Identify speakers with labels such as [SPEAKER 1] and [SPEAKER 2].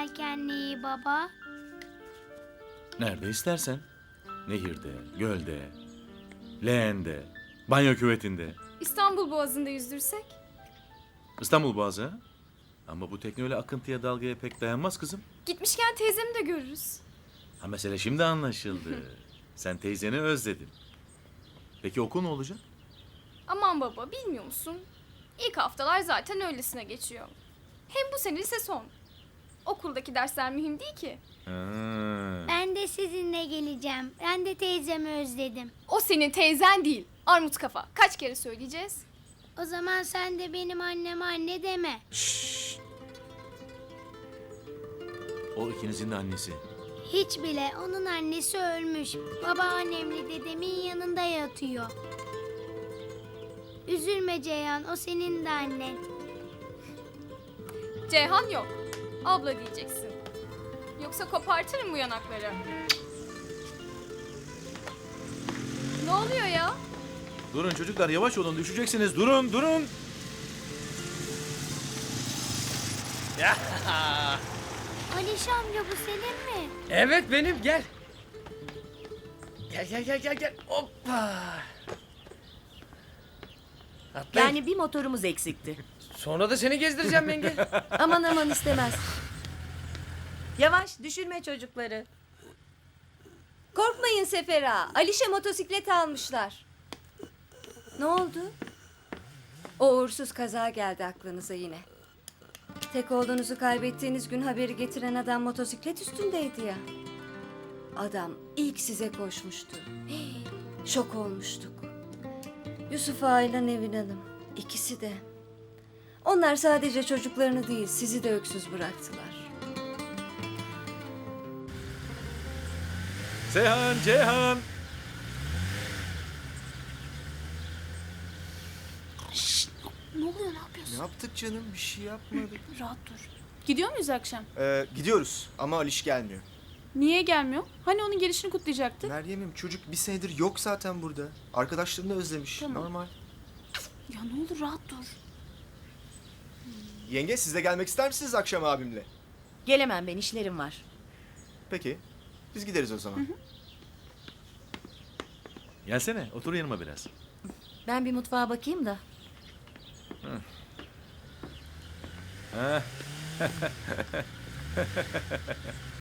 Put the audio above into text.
[SPEAKER 1] yelkenliği baba?
[SPEAKER 2] Nerede istersen. Nehirde, gölde, leğende, banyo küvetinde.
[SPEAKER 3] İstanbul Boğazı'nda yüzdürsek?
[SPEAKER 2] İstanbul Boğazı ha? Ama bu tekne öyle akıntıya dalgaya pek dayanmaz kızım.
[SPEAKER 3] Gitmişken teyzemi de görürüz.
[SPEAKER 2] Ha mesele şimdi anlaşıldı. Sen teyzeni özledin. Peki okul ne olacak?
[SPEAKER 3] Aman baba, bilmiyor musun? İlk haftalar zaten öylesine geçiyor. Hem bu sene lise son. Okuldaki dersler mühim değil ki.
[SPEAKER 2] Ha.
[SPEAKER 1] Ben de sizinle geleceğim. Ben de teyzemi özledim.
[SPEAKER 3] O senin teyzen değil. Armut kafa. Kaç kere söyleyeceğiz?
[SPEAKER 1] O zaman sen de benim anneme anne deme.
[SPEAKER 2] O ikinizin de annesi.
[SPEAKER 1] Hiç bile, onun annesi ölmüş. Babaannemle dedemin yanında yatıyor. Üzülme Ceyhan, o senin de annen.
[SPEAKER 3] Ceyhan yok. Abla diyeceksin. Yoksa kopartırım bu yanakları. Ne oluyor ya?
[SPEAKER 2] Durun çocuklar, yavaş olun, düşeceksiniz. Durun, durun.
[SPEAKER 1] Aliş amca, bu senin mi?
[SPEAKER 4] Evet benim, gel. Gel. Hoppa. Atlayın.
[SPEAKER 5] Yani bir motorumuz eksikti.
[SPEAKER 4] Sonra da seni gezdireceğim yenge.
[SPEAKER 5] Aman istemez. Yavaş, düşürme çocukları.
[SPEAKER 6] Korkmayın Sefer ağa. Alişe motosiklet almışlar. Ne oldu? O uğursuz kaza geldi aklınıza yine. Tek oğlunuzu kaybettiğiniz gün haberi getiren adam motosiklet üstündeydi ya. Adam ilk size koşmuştu. Hii, şok olmuştuk. Yusuf Ağa ile Nevin Hanım. İkisi de. Onlar sadece çocuklarını değil, sizi de öksüz bıraktılar.
[SPEAKER 2] Seyhan, Ceyhan.
[SPEAKER 3] Ne oluyor, ne yapıyorsun?
[SPEAKER 7] Ne yaptık canım? Bir şey yapmadık.
[SPEAKER 3] Rahat dur. Gidiyor muyuz akşam?
[SPEAKER 7] Gidiyoruz ama Aliş gelmiyor.
[SPEAKER 3] Niye gelmiyor? Hani onun gelişini kutlayacaktık?
[SPEAKER 7] Meryem'im çocuk bir senedir yok zaten burada. Arkadaşlarını özlemiş.
[SPEAKER 3] Tamam.
[SPEAKER 7] Normal.
[SPEAKER 3] Ya ne olur rahat dur.
[SPEAKER 7] Yenge siz de gelmek ister misiniz akşam abimle?
[SPEAKER 5] Gelemem ben, işlerim var.
[SPEAKER 7] Peki. Biz gideriz o zaman.
[SPEAKER 2] Gelsene, otur yanıma biraz.
[SPEAKER 5] Ben bir mutfağa bakayım da.
[SPEAKER 2] Ha.